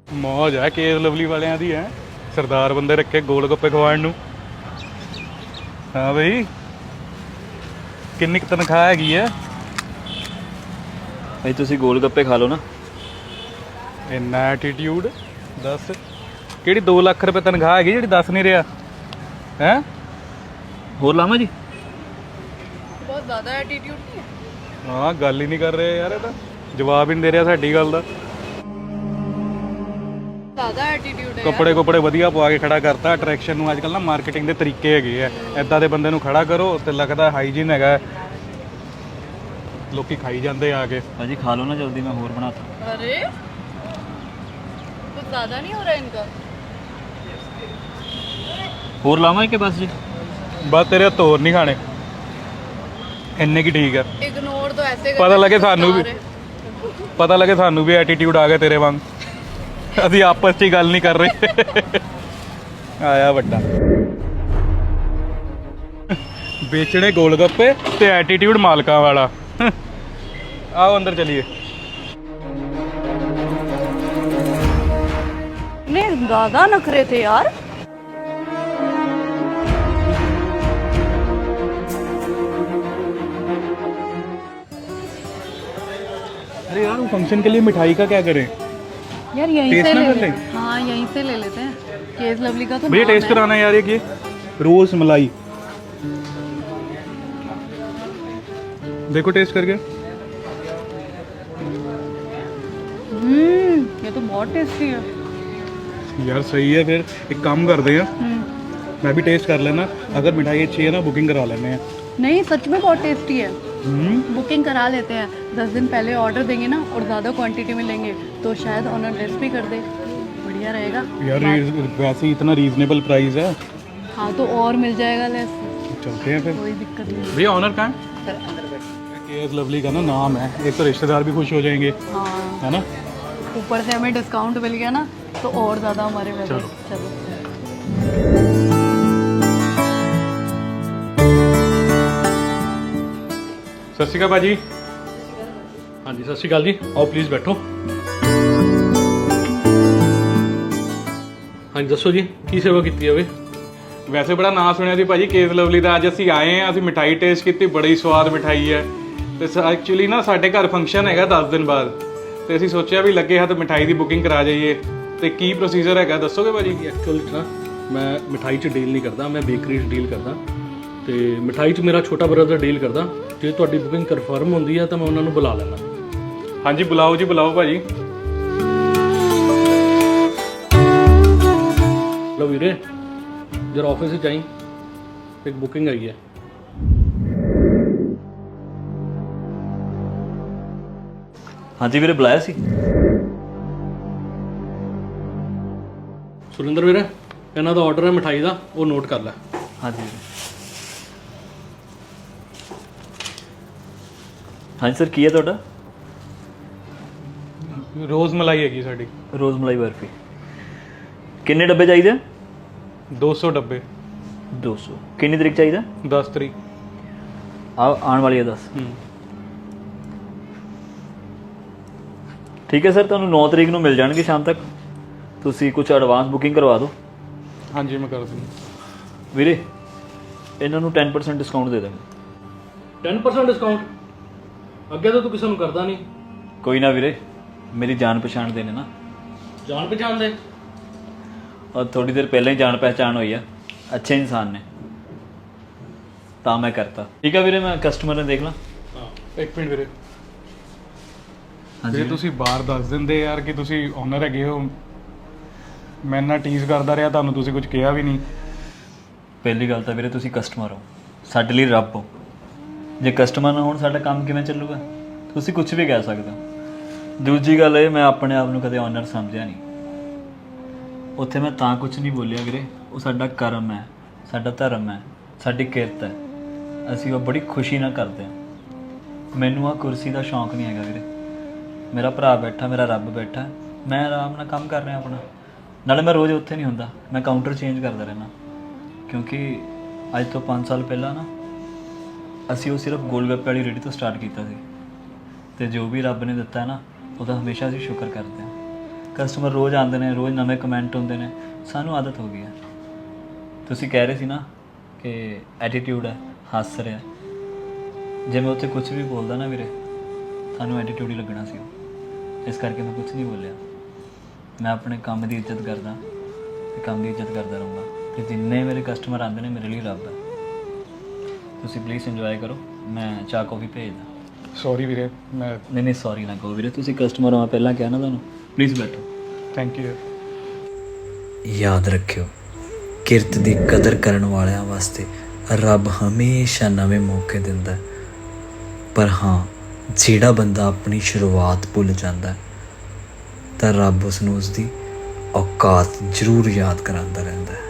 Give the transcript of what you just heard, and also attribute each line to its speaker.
Speaker 1: ਮੌਜ ਹੈ case Lovely ਵਾਲਿਆਂ ਦੀ ਹੈ। ਸਰਦਾਰ ਬੰਦੇ ਰੱਖੇ ਗੋਲ ਗੱਪੇ ਖਵਾਉਣ ਨੂੰ। ਹਾਂ ਬਈ, ਕਿੰਨੀ ਕੁ ਤਨਖਾਹ ਹੈਗੀ ਹੈ?
Speaker 2: ਭਾਈ ਤੁਸੀਂ ਗੋਲ ਗੱਪੇ ਖਾ ਲਓ ਨਾ।
Speaker 1: ਇੰਨਾ ਐਟੀਟਿਊਡ ਦੱਸ, ਕਿਹੜੀ 2 ਲੱਖ ਰੁਪਏ ਤਨਖਾਹ ਹੈਗੀ ਜਿਹੜੀ ਦੱਸ ਨਹੀਂ ਰਿਹਾ ਹੈ?
Speaker 2: ਹੋਰ ਲਾਵਾਂ ਜੀ?
Speaker 3: ਬਹੁਤ ਜ਼ਿਆਦਾ ਐਟੀਟਿਊਡ ਨਹੀਂ ਹੈ।
Speaker 1: ਹਾਂ, ਗੱਲ ਹੀ ਨਹੀਂ ਕਰ ਰਿਹਾ ਯਾਰ, ਇਹ ਤਾਂ ਜਵਾਬ ਹੀ ਨਹੀਂ ਦੇ ਰਿਹਾ ਸਾਡੀ ਗੱਲ ਦਾ।
Speaker 3: ਜ਼ਿਆਦਾ ਐਟੀਟਿਊਡ ਹੈ।
Speaker 1: ਕੱਪੜੇ ਵਧੀਆ ਪਵਾ ਕੇ ਖੜਾ ਕਰਤਾ। ਅਟਰੈਕਸ਼ਨ ਨੂੰ ਅੱਜ ਕੱਲ੍ਹ ਨਾ ਮਾਰਕੀਟਿੰਗ ਦੇ ਤਰੀਕੇ ਹੈਗੇ ਆ। ਇੱਦਾਂ ਦੇ ਬੰਦੇ ਨੂੰ ਖੜਾ ਕਰੋ ਤੇ ਲੱਗਦਾ ਹਾਈਜੀਨ ਹੈਗਾ, ਲੋਕੀ ਖਾਈ ਜਾਂਦੇ ਆ ਕੇ।
Speaker 2: ਭਾਜੀ ਖਾ ਲਓ ਨਾ ਜਲਦੀ, ਮੈਂ ਹੋਰ ਬਣਾਤਾ।
Speaker 3: अरे कुछ ज़्यादा नहीं हो रहा है इनका?
Speaker 2: ਹੋਰ ਲਾਵਾਂ ਕਿ ਬਸ ਜੀ?
Speaker 1: ਬਸ ਤੇਰੇ ਹੱਥ ਹੋਰ ਨਹੀਂ ਖਾਣੇ, ਇੰਨੇ ਕੀ ਠੀਕ ਆ।
Speaker 3: इग्नोर तो ऐसे
Speaker 1: ਪਤਾ
Speaker 3: करते
Speaker 1: ਲੱਗੇ
Speaker 3: हैं,
Speaker 1: ਸਾਨੂੰ ਵੀ, ਪਤਾ ਲੱਗੇ ਸਾਨੂੰ ਵੀ ਐਟੀਟਿਊਡ ਆ ਗਿਆ ਤੇਰੇ ਵਾਂਗ। ਅਸੀਂ ਆਪਸ 'ਚ ਹੀ ਗੱਲ ਨਹੀਂ ਕਰ ਰਹੇ। ਆਇਆ ਵੱਡਾ ਵੇਚਣੇ ਗੋਲ ਗੱਪੇ ਤੇ ਐਟੀਟਿਊਡ ਮਾਲਕਾਂ ਵਾਲਾ। ਆਓ ਅੰਦਰ ਚਲੀਏ।
Speaker 3: नहीं ज़्यादा नखरे थे यार।
Speaker 1: अरे यार, वो फंक्शन के लिए मिठाई का क्या करें?
Speaker 3: यार यहीं
Speaker 1: टेस्ट
Speaker 3: से
Speaker 1: ना
Speaker 3: ले
Speaker 1: कर
Speaker 3: लेते
Speaker 1: लें?
Speaker 3: हाँ यहीं से ले लेते हैं। केस लवली का तो
Speaker 1: भैया
Speaker 3: नाम
Speaker 1: टेस्ट
Speaker 3: है।
Speaker 1: कराना है यार, ये रोज मलाई। देखो टेस्ट करके।
Speaker 3: ये तो बहुत टेस्टी है।
Speaker 1: यार सही है, फिर एक काम करते हैं, मैं भी टेस्ट कर लेना। अगर मिठाई अच्छी है ना, बुकिंग करा लेने हैं।
Speaker 3: नहीं सच में बहुत टेस्टी है। बुकिंग करा लेते हैं। 10 दिन पहले ऑर्डर देंगे ना और ज़्यादा क्वांटिटी में लेंगे तो शायद ऑनर लेस भी कर दे। बढ़िया रहेगा
Speaker 1: यार वैसे ही इतना रीजनेबल प्राइस है।
Speaker 3: हाँ तो और मिल जाएगा लेस,
Speaker 1: चलते हैं फिर।
Speaker 3: कोई दिक्कत नहीं।
Speaker 1: भैया ऑनर कहाँ है? केएस लवली का ना नाम है, एक तो रिश्तेदार भी खुश हो जाएंगे,
Speaker 3: हाँ
Speaker 1: है ना?
Speaker 3: ऊपर से हमें डिस्काउंट मिल गया ना तो और ज़्यादा हमारे में
Speaker 1: चलो।
Speaker 3: चलो।
Speaker 1: ਸਤਿ ਸ਼੍ਰੀ ਅਕਾਲ ਭਾਜੀ। ਹਾਂਜੀ ਸਤਿ ਸ਼੍ਰੀ ਅਕਾਲ ਜੀ, ਆਓ ਪਲੀਜ਼ ਬੈਠੋ।
Speaker 4: ਹਾਂਜੀ ਦੱਸੋ ਜੀ, ਕੀ ਸੇਵਾ ਕੀਤੀ ਜਾਵੇ?
Speaker 1: ਵੈਸੇ ਬੜਾ ਨਾਂ ਸੁਣਿਆ ਸੀ ਭਾਜੀ ਕੇਸ ਲਵਲੀ ਦਾ। ਅੱਜ ਅਸੀਂ ਆਏ ਹਾਂ, ਅਸੀਂ ਮਿਠਾਈ ਟੇਸਟ ਕੀਤੀ, ਬੜੀ ਸਵਾਦ ਮਿਠਾਈ ਹੈ। ਤੇ ਐਕਚੁਅਲੀ ਨਾ ਸਾਡੇ ਘਰ ਫੰਕਸ਼ਨ ਹੈਗਾ 10 ਦਿਨ ਬਾਅਦ, ਤੇ ਅਸੀਂ ਸੋਚਿਆ ਵੀ ਲੱਗੇ ਹੱਥ ਮਿਠਾਈ ਦੀ ਬੁਕਿੰਗ ਕਰਾ ਜਾਈਏ। ਤੇ ਕੀ ਪ੍ਰੋਸੀਜਰ ਹੈਗਾ ਦੱਸੋਗੇ ਭਾਜੀ?
Speaker 4: ਐਕਚੁਅਲੀ ਨਾ ਮੈਂ ਮਿਠਾਈ 'ਚ ਡੀਲ ਨਹੀਂ ਕਰਦਾ, ਮੈਂ ਬੇਕਰੀ 'ਚ ਡੀਲ ਕਰਦਾ। ਤੇ ਮਿਠਾਈ 'ਚ ਮੇਰਾ ਛੋਟਾ ਬ੍ਰਦਰ ਡੀਲ ਕਰਦਾ। ਜੇ ਤੁਹਾਡੀ ਬੁਕਿੰਗ ਕਨਫਰਮ ਹੁੰਦੀ ਹੈ ਤਾਂ ਮੈਂ ਉਹਨਾਂ ਨੂੰ ਬੁਲਾ ਲੈਣਾ।
Speaker 1: ਹਾਂਜੀ ਬੁਲਾਓ ਜੀ, ਬੁਲਾਓ ਭਾਜੀ।
Speaker 4: ਲਓ ਵੀਰੇ, ਜਰਾ ਆਫਿਸ 'ਚ ਆਈ, ਇੱਕ ਬੁਕਿੰਗ ਆਈ ਹੈ।
Speaker 2: ਹਾਂਜੀ ਵੀਰੇ, ਬੁਲਾਇਆ ਸੀ?
Speaker 4: ਸੁਰਿੰਦਰ ਵੀਰੇ, ਇਹਨਾਂ ਦਾ ਆਰਡਰ ਹੈ ਮਿਠਾਈ ਦਾ, ਉਹ ਨੋਟ ਕਰ ਲੈ।
Speaker 2: ਹਾਂਜੀ ਵੀਰੇ। ਹਾਂਜੀ ਸਰ, ਕੀ ਹੈ ਤੁਹਾਡਾ?
Speaker 1: ਰੋਜ਼ ਮਲਾਈ ਹੈਗੀ ਸਾਡੀ,
Speaker 2: ਰੋਜ਼ ਮਲਾਈ ਬਰਫੀ। ਕਿੰਨੇ ਡੱਬੇ ਚਾਹੀਦੇ?
Speaker 1: 200 ਡੱਬੇ।
Speaker 2: 200। ਕਿੰਨੀ ਤਰੀਕ ਚਾਹੀਦਾ?
Speaker 1: 10 ਤਰੀਕ।
Speaker 2: ਆਉਣ ਵਾਲੀ ਹੈ 10। ਠੀਕ ਹੈ ਸਰ, ਤੁਹਾਨੂੰ 9 ਤਰੀਕ ਨੂੰ ਮਿਲ ਜਾਣਗੇ ਸ਼ਾਮ ਤੱਕ। ਤੁਸੀਂ ਕੁਝ ਐਡਵਾਂਸ ਬੁਕਿੰਗ ਕਰਵਾ ਦਿਓ।
Speaker 1: ਹਾਂਜੀ ਮੈਂ ਕਰ ਦੂੰ
Speaker 2: ਵੀਰੇ, ਇਹਨਾਂ ਨੂੰ 10% ਡਿਸਕਾਊਂਟ ਦੇ ਦਾਂਗੇ।
Speaker 4: 10% ਡਿਸਕਾਊਂਟ? ਅੱਗੇ ਤਾਂ ਤੂੰ ਕਿਸੇ ਨੂੰ ਕਰਦਾ ਨਹੀਂ।
Speaker 2: ਕੋਈ ਨਾ ਵੀਰੇ, ਮੇਰੀ ਜਾਣ ਪਛਾਣ ਦੇ ਨੇ ਨਾ।
Speaker 4: ਜਾਣ ਪਛਾਣ ਦੇ?
Speaker 2: ਔਰ ਥੋੜੀ ਦੇਰ ਪਹਿਲਾਂ ਹੀ ਜਾਣ ਪਹਿਚਾਣ ਹੋਈ ਆ, ਅੱਛੇ ਇਨਸਾਨ ਨੇ, ਤਾਂ ਮੈਂ ਕਰਤਾ। ਠੀਕ ਆ ਵੀਰੇ, ਮੈਂ ਕਸਟਮਰ ਨੇ ਦੇਖ ਲਾਂ।
Speaker 4: ਹਾਂ
Speaker 1: ਇੱਕ ਮਿੰਟ ਵੀਰੇ।
Speaker 2: ਹਾਂਜੀ
Speaker 1: ਜੇ ਤੁਸੀਂ ਬਾਹਰ ਦੱਸ ਦਿੰਦੇ ਯਾਰ ਕਿ ਤੁਸੀਂ ਓਨਰ ਹੈਗੇ ਹੋ, ਮੈਂ ਨਾ ਟੀਜ਼ ਕਰਦਾ ਰਿਹਾ ਤੁਹਾਨੂੰ, ਤੁਸੀਂ ਕੁਝ ਕਿਹਾ ਵੀ ਨਹੀਂ।
Speaker 2: ਪਹਿਲੀ ਗੱਲ ਤਾਂ ਵੀਰੇ ਤੁਸੀਂ ਕਸਟਮਰ ਹੋ, ਸਾਡੇ ਲਈ ਰੱਬ ਹੋ। ਜੇ ਕਸਟਮਰ ਨਾ ਹੋਣ ਸਾਡਾ ਕੰਮ ਕਿਵੇਂ ਚੱਲੂਗਾ? ਤੁਸੀਂ ਕੁਝ ਵੀ ਕਹਿ ਸਕਦੇ ਹੋ। ਦੂਜੀ ਗੱਲ ਇਹ, ਮੈਂ ਆਪਣੇ ਆਪ ਨੂੰ ਕਦੇ ਓਨਰ ਸਮਝਿਆ ਨਹੀਂ। ਉੱਥੇ ਮੈਂ ਤਾਂ ਕੁਝ ਨਹੀਂ ਬੋਲਿਆ ਵੀਰੇ, ਉਹ ਸਾਡਾ ਕਰਮ ਹੈ, ਸਾਡਾ ਧਰਮ ਹੈ, ਸਾਡੀ ਕਿਰਤ ਹੈ। ਅਸੀਂ ਉਹ ਬੜੀ ਖੁਸ਼ੀ ਨਾਲ ਕਰਦੇ ਹਾਂ। ਮੈਨੂੰ ਆਹ ਕੁਰਸੀ ਦਾ ਸ਼ੌਂਕ ਨਹੀਂ ਹੈਗਾ ਵੀਰੇ। ਮੇਰਾ ਭਰਾ ਬੈਠਾ, ਮੇਰਾ ਰੱਬ ਬੈਠਾ, ਮੈਂ ਆਰਾਮ ਨਾਲ ਕੰਮ ਕਰ ਰਿਹਾ ਆਪਣਾ। ਨਾਲੇ ਮੈਂ ਰੋਜ਼ ਉੱਥੇ ਨਹੀਂ ਹੁੰਦਾ, ਮੈਂ ਕਾਊਂਟਰ ਚੇਂਜ ਕਰਦਾ ਰਹਿਣਾ। ਕਿਉਂਕਿ ਅੱਜ ਤੋਂ 5 ਸਾਲ ਪਹਿਲਾਂ ਨਾ ਅਸੀਂ ਉਹ ਸਿਰਫ ਗੋਲ ਗੱਪੇ ਵਾਲੀ ਰੇਹੜੀ ਤੋਂ ਸਟਾਰਟ ਕੀਤਾ ਸੀ। ਅਤੇ ਜੋ ਵੀ ਰੱਬ ਨੇ ਦਿੱਤਾ ਨਾ, ਉਹਦਾ ਹਮੇਸ਼ਾ ਅਸੀਂ ਸ਼ੁਕਰ ਕਰਦੇ ਹਾਂ। ਕਸਟਮਰ ਰੋਜ਼ ਆਉਂਦੇ ਨੇ, ਰੋਜ਼ ਨਵੇਂ ਕਮੈਂਟ ਹੁੰਦੇ ਨੇ, ਸਾਨੂੰ ਆਦਤ ਹੋ ਗਈ ਹੈ। ਤੁਸੀਂ ਕਹਿ ਰਹੇ ਸੀ ਨਾ ਕਿ ਐਟੀਟਿਊਡ ਹੈ, ਹੱਸ ਰਿਹਾ। ਜੇ ਮੈਂ ਉੱਥੇ ਕੁਝ ਵੀ ਬੋਲਦਾ ਨਾ ਵੀਰੇ, ਤੁਹਾਨੂੰ ਐਟੀਟਿਊਡ ਹੀ ਲੱਗਣਾ ਸੀ ਉਹ। ਇਸ ਕਰਕੇ ਮੈਂ ਕੁਝ ਨਹੀਂ ਬੋਲਿਆ। ਮੈਂ ਆਪਣੇ ਕੰਮ ਦੀ ਇੱਜ਼ਤ ਕਰਦਾ ਤੇ ਕੰਮ ਦੀ ਇੱਜ਼ਤ ਕਰਦਾ ਰਹੂੰਗਾ, ਤੇ ਜਿੰਨੇ ਮੇਰੇ ਕਸਟਮਰ ਆਉਂਦੇ ਨੇ ਮੇਰੇ ਲਈ ਰੱਬ ਹੈ। ਤੁਸੀਂ ਪਲੀਜ਼ ਇੰਜੋਏ ਕਰੋ, ਮੈਂ ਚਾਹ ਕੌਫੀ ਭੇਜਦਾ।
Speaker 1: ਸੌਰੀ ਵੀਰੇ, ਮੈਂ
Speaker 2: ਨਹੀਂ ਸੌਰੀ ਨਾ ਕਹੋ ਵੀਰੇ, ਤੁਸੀਂ ਕਸਟਮਰ ਹੋ, ਮੈਂ ਪਹਿਲਾਂ ਕਿਹਾ ਨਾ ਤੁਹਾਨੂੰ। ਪਲੀਜ਼ ਬੈਠੋ।
Speaker 1: Thank you.
Speaker 5: ਯਾਦ ਰੱਖਿਓ, ਕਿਰਤ ਦੀ ਕਦਰ ਕਰਨ ਵਾਲਿਆਂ ਵਾਸਤੇ ਰੱਬ ਹਮੇਸ਼ਾ ਨਵੇਂ ਮੌਕੇ ਦਿੰਦਾ ਹੈ। ਪਰ ਹਾਂ, ਜਿਹੜਾ ਬੰਦਾ ਆਪਣੀ ਸ਼ੁਰੂਆਤ ਭੁੱਲ ਜਾਂਦਾ ਹੈ ਤਾਂ ਰੱਬ ਉਸ ਨੂੰ ਉਸਦੀ ਔਕਾਤ ਜ਼ਰੂਰ ਯਾਦ ਕਰਾਉਂਦਾ ਰਹਿੰਦਾ ਹੈ।